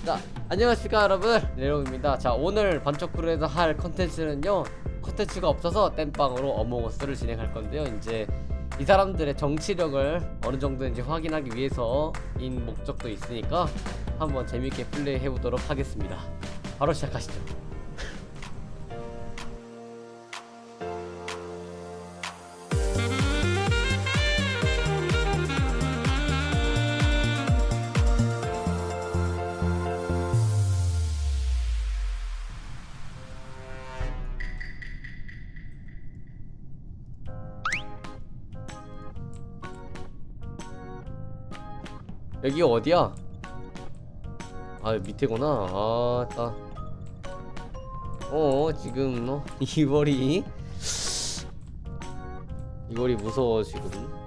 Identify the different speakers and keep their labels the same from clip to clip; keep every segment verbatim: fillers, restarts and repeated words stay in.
Speaker 1: 자, 안녕하십니까 여러분, 레롱입니다. 자, 오늘 반쪽크루에서 할 컨텐츠는요, 컨텐츠가 없어서 땜빵으로 어몽어스를 진행할 건데요. 이제 이 사람들의 정치력을 어느 정도인지 확인하기 위해서인 목적도 있으니까 한번 재밌게 플레이 해보도록 하겠습니다. 바로 시작하시죠. 여기 어디야? 아, 밑에구나. 아, 따. 어, 지금 어 이월이 이월이 무서워 지금.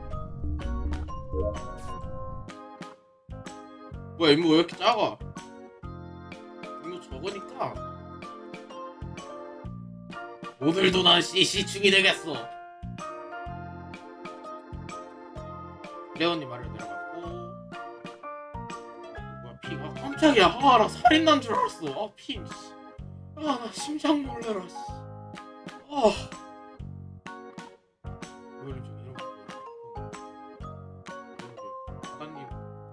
Speaker 2: 뭐야 임무 왜 이렇게 작아? 임무 적으니까 오늘도 난 씨씨충이 되겠어. 레온님 말을 내려갔고 뭐야 피.. 아 깜짝이야. 아 나 살인 난 줄 알았어. 아 피.. 아나 심장 놀래라 씨. 아 레온님 좀 이런 거 바다님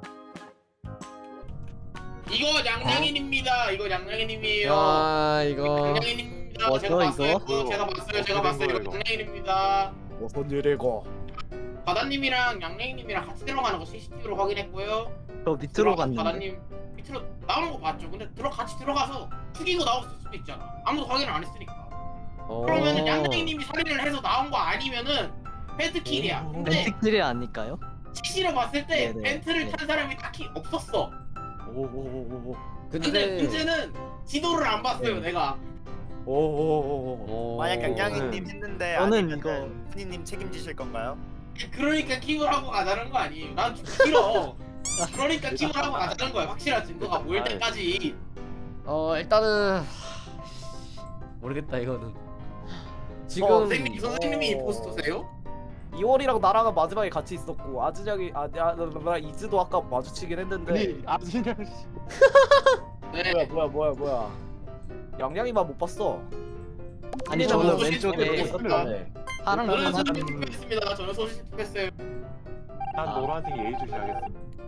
Speaker 2: 이거 양양인입니다. 이거 양양인님이에요.
Speaker 1: 아, 이거
Speaker 2: 양양인입니다.
Speaker 3: 뭐죠,
Speaker 2: 제가 봤어요.
Speaker 3: 이거?
Speaker 2: 그거 제가 봤어요. 제가 봤어요. 이거 양양인입니다.
Speaker 3: 무슨 일이고?
Speaker 2: 바다님이랑 양양이님이랑 같이 들어가는 거 씨씨티비로 확인했고요.
Speaker 3: 저 밑으로 갔는데.
Speaker 2: 바다님 밑으로 나오는 거 봤죠. 근데 들어 같이 들어가서 죽이고 나올 수도 있잖아. 아무도 확인을 안 했으니까.
Speaker 1: 어...
Speaker 2: 그러면은 양양이님이 살인을 해서 나온 거 아니면은 벤트킬이야. 근데
Speaker 3: 벤트킬이 아닐까요?
Speaker 2: 씨씨로 봤을 때
Speaker 3: 네네.
Speaker 2: 벤트를
Speaker 3: 네.
Speaker 2: 탄 사람이 딱히 없었어.
Speaker 3: 오오오오오.
Speaker 2: 근데
Speaker 1: 근데
Speaker 2: 문제는 지도를 안 봤어요.
Speaker 3: 네.
Speaker 2: 내가.
Speaker 3: 오오오오.
Speaker 1: 어...
Speaker 4: 만약 양양이님 했는데
Speaker 3: 저는
Speaker 4: 아니면
Speaker 3: 이거-
Speaker 4: 훈이님 책임지실 건가요?
Speaker 2: 그러니까 킵을 하고 가자는 거 아니에요. 난 좀 싫어. 그러니까 킵을 하고 가자는 거야. 확실한 증거가 보일 때까지.
Speaker 1: 어, 일단은 모르겠다 이거는. 지금
Speaker 4: 어,
Speaker 2: 선생님, 선생님이
Speaker 4: 어.
Speaker 2: 임포스터세요?
Speaker 5: 이월이랑 나랑 마지막에 같이 있었고 아즈작이 아, 야, 나, 나, 이즈도 아까 마주치긴 했는데
Speaker 3: 아진영 씨.
Speaker 2: 네.
Speaker 5: 뭐야 뭐야 뭐야 뭐야 양양이만 못 봤어.
Speaker 3: 아니
Speaker 2: 저는
Speaker 3: 저는
Speaker 2: 소식
Speaker 3: 왼쪽에
Speaker 2: 듣고
Speaker 5: 있었다네.
Speaker 3: 파란
Speaker 2: 저는
Speaker 3: 거는
Speaker 2: 소식 투표했습니다. 저는 소식 투표했어요.
Speaker 6: 난
Speaker 3: 아.
Speaker 6: 노란색 예의주시 하겠습니다.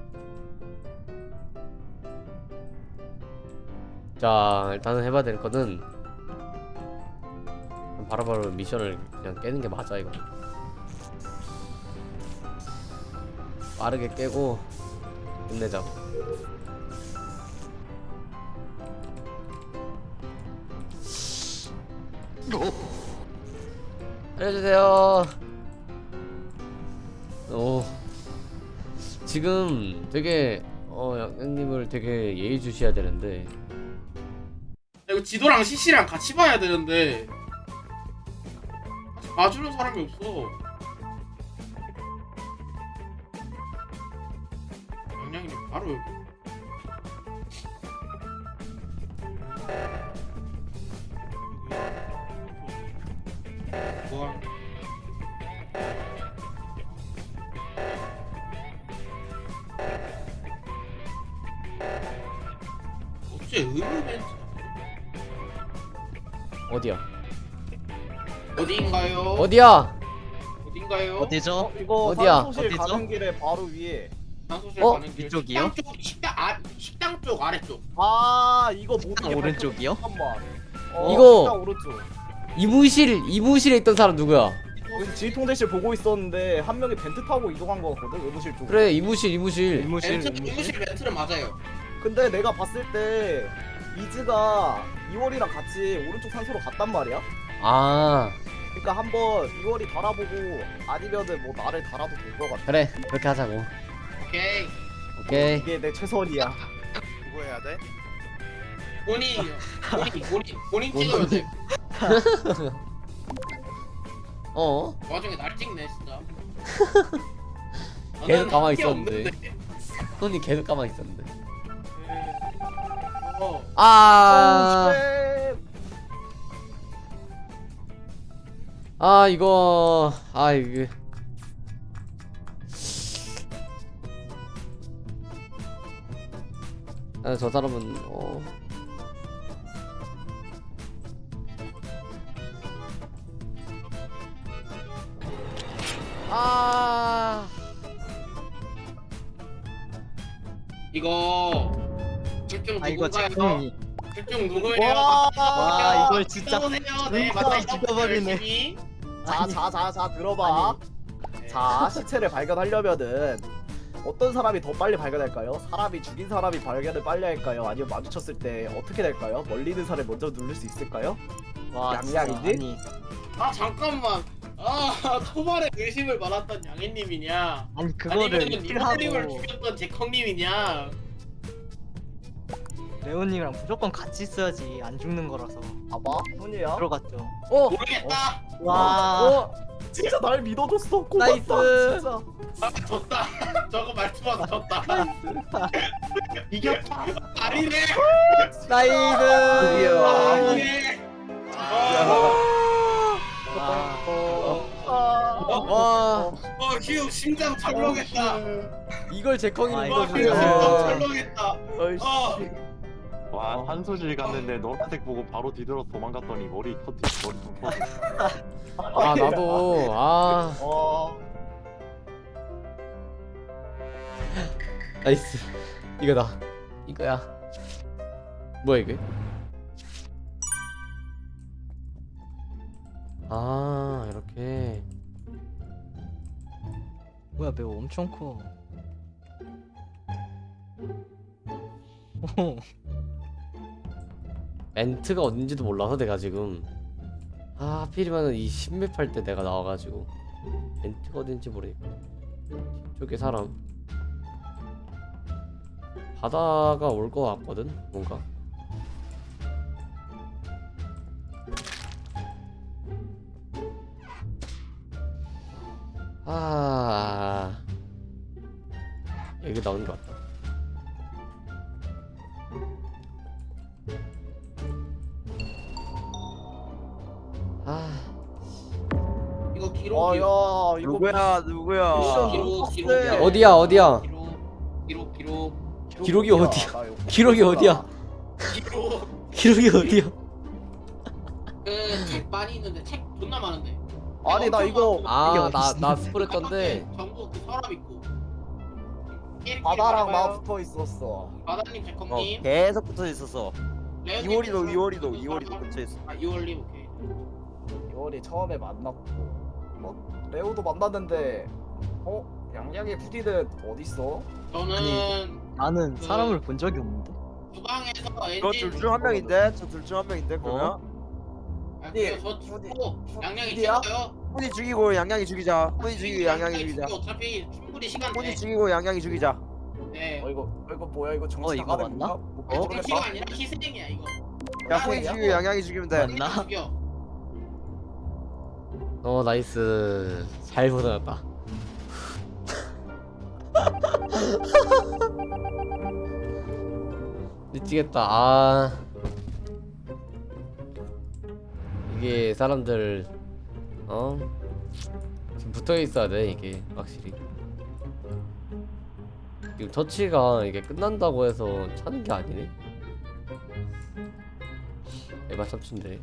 Speaker 1: 자, 일단은 해봐야 될 거는 바로바로 미션을 그냥 깨는 게 맞아. 이거 빠르게 깨고 끝내자고. 알려주세요. 오, 지금 되게 어 양양님을 되게 예의주시해야 되는데.
Speaker 2: 이거 지도랑 씨씨랑 같이 봐야 되는데 같이 봐주는 사람이 없어. 양양이님 바로 여기. 뭐야? 어째 의무 멘트
Speaker 1: 어디야?
Speaker 2: 어디인가요?
Speaker 1: 어디야?
Speaker 2: 어딘가요?
Speaker 3: 어디죠?
Speaker 5: 어, 이거
Speaker 1: 어디야?
Speaker 5: 산소실
Speaker 3: 어디죠?
Speaker 5: 가는 길에 바로 위에.
Speaker 2: 장소실
Speaker 1: 어?
Speaker 2: 가는 길.
Speaker 3: 이쪽이요?
Speaker 2: 식당 쪽, 식당 아 식당 쪽 아래쪽.
Speaker 5: 아 이거 모든
Speaker 3: 식당
Speaker 5: 게
Speaker 3: 오른쪽이요?
Speaker 5: 잠깐만. 어,
Speaker 1: 이거-
Speaker 5: 식당 오른쪽.
Speaker 1: 이무실 이무실에 있던 사람 누구야?
Speaker 5: 여기 지휘통제실 보고 있었는데 한 명이 벤트 타고 이동한 거 같거든 의무실 쪽으로.
Speaker 1: 그래, 이무실 이무실.
Speaker 3: 이무실
Speaker 2: 멘트
Speaker 3: 이무실.
Speaker 2: 의무실 멘트는 맞아요.
Speaker 5: 근데 내가 봤을 때 이즈가 이월이랑 같이 오른쪽 산소로 갔단 말이야.
Speaker 1: 아,
Speaker 5: 그러니까 한번 이월이 달아보고 아니면은 뭐 나를 달아도 될 것 같아.
Speaker 1: 그래, 그렇게 하자고.
Speaker 2: 오케이.
Speaker 1: 오케이.
Speaker 5: 이게 내 최선이야.
Speaker 4: 그거 해야 돼?
Speaker 2: 본인 본인 본인 본인 찍어야 돼.
Speaker 1: 어?
Speaker 2: 그 와중에 날 찍네 진짜.
Speaker 1: 계속
Speaker 2: 나는
Speaker 1: 가만히
Speaker 2: 할게
Speaker 1: 있었는데.
Speaker 2: 없는데.
Speaker 1: 손이 계속 가만히 있었는데.
Speaker 2: 어.
Speaker 1: 아,
Speaker 5: 쉣.
Speaker 1: 아 이거, 아 이게. 아, 저 사람은 어. 아.
Speaker 2: 이거 둘중
Speaker 3: 아 이거
Speaker 2: 누군가요?
Speaker 3: 제콩이.
Speaker 2: 둘중 누구예요?
Speaker 5: 와,
Speaker 3: 와, 이걸 진짜
Speaker 2: 싸우세요. 네,
Speaker 3: 진짜
Speaker 2: 맞다.
Speaker 3: 죽여버리네.
Speaker 2: 열심히.
Speaker 5: 자, 자, 자, 자, 들어봐. 자, 시체를 발견하려면은 어떤 사람이 더 빨리 발견할까요? 사람이 죽인 사람이 발견을 빨리 할까요? 아니면 마주쳤을 때 어떻게 될까요? 멀리 있는 사람을 먼저 누를 수 있을까요?
Speaker 3: 와 진짜
Speaker 5: 양양이지?
Speaker 3: 아니
Speaker 2: 아 잠깐만. 아 초반에 의심을 받았던 양해님이냐?
Speaker 3: 아니 그거를
Speaker 2: 아니면
Speaker 3: 킬하고
Speaker 2: 이모님을 죽였던 제컹님이냐?
Speaker 3: 레오님이랑 무조건 같이 있어야지 안 죽는 거라서
Speaker 5: 봐봐, 훈이야.
Speaker 3: 들어갔죠.
Speaker 1: 어.
Speaker 2: 모르겠다.
Speaker 3: 와
Speaker 5: 어, 진짜 날 믿어줬어. 고맙다,
Speaker 1: 나이스.
Speaker 5: 진짜.
Speaker 2: 아 졌다. 저거 말투만 졌다.
Speaker 5: 이겼다.
Speaker 2: 아니네.
Speaker 1: 나이스.
Speaker 2: 아니네.
Speaker 3: 아,
Speaker 5: 아,
Speaker 1: 와.
Speaker 2: 어 휴 심장 철렁했다.
Speaker 1: 이걸 제컹이
Speaker 3: 아,
Speaker 2: 어
Speaker 3: 이거
Speaker 2: 휴
Speaker 1: 믿어주네.
Speaker 2: 심장 철렁했다.
Speaker 5: 어이씨.
Speaker 2: 어.
Speaker 6: 와 한소질 갔는데 노란색 보고 바로 뒤돌아서 도망갔더니 머리 터뜨 머리 좀 터뜨.
Speaker 1: 아 나도 아
Speaker 5: 어,
Speaker 1: 나이스. 이거다. 이거야. 뭐야 이게? 아 이렇게.
Speaker 3: 뭐야 매우 엄청 커. 오,
Speaker 1: 멘트가 어딘지도 몰라서 내가 지금 아 하필이면은 이 십맵 할 때 내가 나와가지고 멘트가 어딘지 모르니까 뒤쪽에 사람 바다가 올 것 같거든 뭔가. 아 여기 나오는 것 같다. 아
Speaker 2: 이거
Speaker 5: 아,
Speaker 2: 기록이요.
Speaker 5: 야, 이거
Speaker 7: 누구야 누구야
Speaker 2: 기록
Speaker 5: 아,
Speaker 2: 기록
Speaker 5: 빡세.
Speaker 2: 기록이야.
Speaker 1: 어디야 어디야
Speaker 2: 기록 기록 기록
Speaker 1: 기록이 어디야?
Speaker 5: 나 이거
Speaker 1: 기록이 어디야?
Speaker 2: 기록.
Speaker 1: 기록이 어디야?
Speaker 2: 그책 많이 있는데 책 존나 많은데.
Speaker 5: 아니, 나 이거
Speaker 1: 아 나 나 스포했던데.
Speaker 2: 전부 그 서랍 있고.
Speaker 5: 바다랑 나
Speaker 2: 마
Speaker 5: 붙어 있었어.
Speaker 2: 바다님
Speaker 7: 어
Speaker 2: 제컴님.
Speaker 7: 계속 붙어 있었어
Speaker 2: 레오님
Speaker 7: 이월이도
Speaker 2: 제컴,
Speaker 7: 이월이도
Speaker 2: 그
Speaker 7: 이월이도
Speaker 2: 서랍.
Speaker 7: 붙어 있어
Speaker 2: 아 이월님 오케이.
Speaker 5: 이월이 처음에 만났고, 뭐 레오도 만났는데, 어, 양양의 부디는 어디 있어?
Speaker 2: 저는
Speaker 3: 나는
Speaker 2: 그-
Speaker 3: 사람을 본 적이 없는데.
Speaker 2: 주방에서
Speaker 7: 이거
Speaker 2: 엔진.
Speaker 7: 둘 중 한 명인데 저 둘 중 한 명인데 그러면
Speaker 2: 아,
Speaker 5: 네,
Speaker 2: 저
Speaker 5: 어디-
Speaker 2: 죽고 양양이
Speaker 5: 어디야?
Speaker 2: 찍어요.
Speaker 7: 훈이 죽이고 양양이 죽이자 훈이 죽이고 양양이 죽이자
Speaker 2: 어차피 충분히 시간 돼.
Speaker 7: 훈이 죽이고 양양이 죽이자
Speaker 2: 네.
Speaker 5: 어, 이거, 어, 이거 뭐야? 이거 정치
Speaker 3: 어, 이거
Speaker 5: 나가는
Speaker 3: 맞나?
Speaker 5: 건가? 뭐,
Speaker 3: 어?
Speaker 5: 모르겠다.
Speaker 2: 정치가 아니라 희생이야 이거.
Speaker 7: 야 훈이 죽이고 양양이 죽이면 돼
Speaker 3: 맞나?
Speaker 2: 죽여.
Speaker 1: 어 나이스. 잘 보내놨다. 미치겠다. 아 이게 사람들 어 지금 붙어 있어야 돼 이게 확실히. 지금 터치가 이게 끝난다고 해서 차는 게 아니네. 에바 참치인데.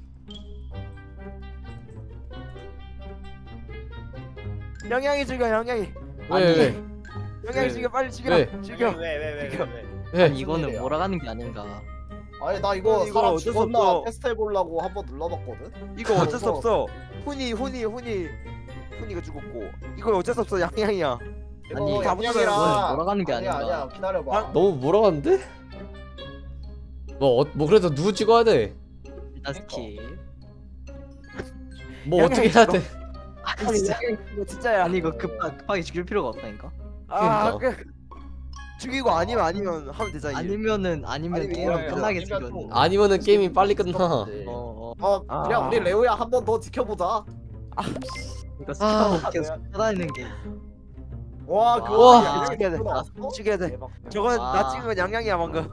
Speaker 7: 양양이 죽여 양양이
Speaker 1: 왜 왜 왜?
Speaker 7: 양양이
Speaker 1: 왜?
Speaker 7: 죽여 빨리 죽여
Speaker 1: 왜?
Speaker 7: 죽여
Speaker 4: 왜왜왜왜
Speaker 1: 왜?
Speaker 3: 아니 이거는
Speaker 5: 일이야?
Speaker 3: 몰아가는 게 아닌가.
Speaker 5: 아니, 나 이거
Speaker 7: 이거
Speaker 5: 사람
Speaker 7: 어쩔 수
Speaker 5: 죽었나
Speaker 7: 없어.
Speaker 5: 테스트 해보려고 한번 눌러봤거든?
Speaker 7: 이거 어쩔 수 없어 훈이 훈이 훈이 훈이가 죽었고 이거 어쩔 수 없어 양양이야
Speaker 5: 이거
Speaker 3: 아니,
Speaker 7: 이거는
Speaker 5: 양양이랑
Speaker 3: 몰아가는 게
Speaker 5: 아니야,
Speaker 3: 아닌가.
Speaker 5: 아니야, 기다려봐.
Speaker 1: 너무 몰아갔는데? 뭐, 어, 뭐 그래도 누구 찍어야 돼?
Speaker 3: 일단 스킵.
Speaker 1: 뭐
Speaker 7: 야,
Speaker 1: 어떻게
Speaker 7: 야,
Speaker 1: 해야 돼?
Speaker 7: 아니 진짜 이거 진짜야
Speaker 3: 아니 이거 급하, 급하게 죽일 필요가 없다니까.
Speaker 7: 아
Speaker 1: 그러니까.
Speaker 7: 그, 죽이고 아니면 아니면 하면 되잖아 이제.
Speaker 3: 아니면은 아니면
Speaker 5: 아니,
Speaker 3: 게임은
Speaker 5: 뭐야,
Speaker 3: 끝나겠지
Speaker 5: 아니면
Speaker 3: 이거는.
Speaker 5: 또-
Speaker 1: 아니면은 게임이 빨리 끝나.
Speaker 3: 어 어.
Speaker 5: 어,
Speaker 7: 아.
Speaker 5: 그냥 우리 레오야 한 번 더 지켜보자.
Speaker 3: 이거
Speaker 1: 아.
Speaker 3: 스킵하고 계속 찾아다니는 게.
Speaker 5: 와,
Speaker 3: 와.
Speaker 5: 그거
Speaker 7: 아, 죽여야 돼.
Speaker 5: 나왔어?
Speaker 7: 죽여야 돼.
Speaker 5: 대박.
Speaker 7: 저건
Speaker 3: 아.
Speaker 7: 나 찍은 건 양양이야 방금.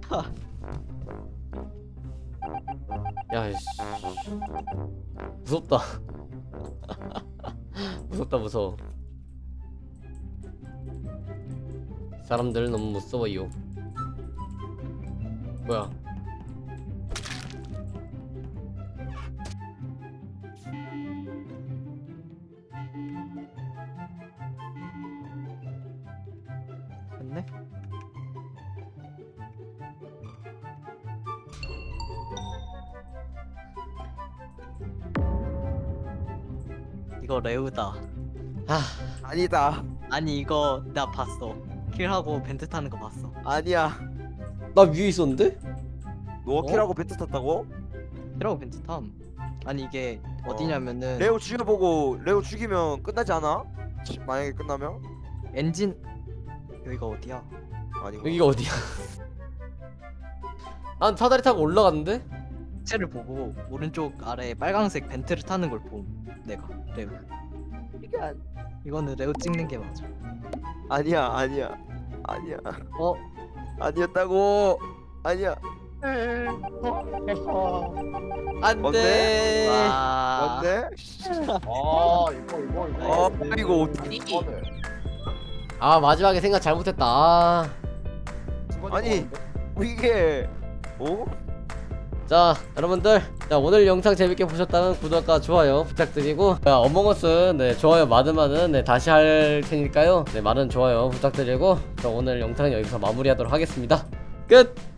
Speaker 1: 야, 씨. 무섭다. 무섭다, 무서워. 사람들 너무 무서워요. 뭐야?
Speaker 3: 됐네. 이거 레우다.
Speaker 1: 아,
Speaker 7: 아니다.
Speaker 3: 아니 이거 나 봤어. 킬하고 벤트 타는 거 봤어.
Speaker 7: 아니야.
Speaker 1: 나 위에 있었는데?
Speaker 7: 너 킬하고 벤트 탔다고?
Speaker 3: 킬하고 벤트 탐. 아니 이게 어디냐면은
Speaker 7: 레오 죽여보고 레오 죽이면 끝나지 않아? 치- 만약에 끝나면?
Speaker 3: 엔진 여기가 어디야?
Speaker 7: 아니고.
Speaker 1: 여기가 어디야? 난 사다리 타고 올라갔는데?
Speaker 3: 시체를 보고 오른쪽 아래 빨강색 벤트를 타는 걸 봄. 내가 레우.
Speaker 7: 이게 안-
Speaker 3: 이거는 레우 찍는 게 맞아.
Speaker 7: 아니야 아니야 아니야
Speaker 3: 어?
Speaker 7: 아니었다고. 아니야.
Speaker 1: 안돼.
Speaker 7: 뭔데?
Speaker 3: 와.
Speaker 7: 뭔데?
Speaker 5: 아 이거 이거 이거.
Speaker 7: 어 이거 어떡-
Speaker 2: 아니
Speaker 5: 이거는
Speaker 1: 아 마지막에 생각 잘못했다. 아.
Speaker 5: 승관이
Speaker 7: 아니.
Speaker 5: 좋아하는데?
Speaker 7: 뭐 이게 어?
Speaker 1: 자 여러분들, 자 오늘 영상 재밌게 보셨다면 구독과 좋아요 부탁드리고, 자, 어몽어스 네 좋아요 많으면은 네 다시 할 테니까요 네 많은 좋아요 부탁드리고, 자 오늘 영상 여기서 마무리하도록 하겠습니다. 끝.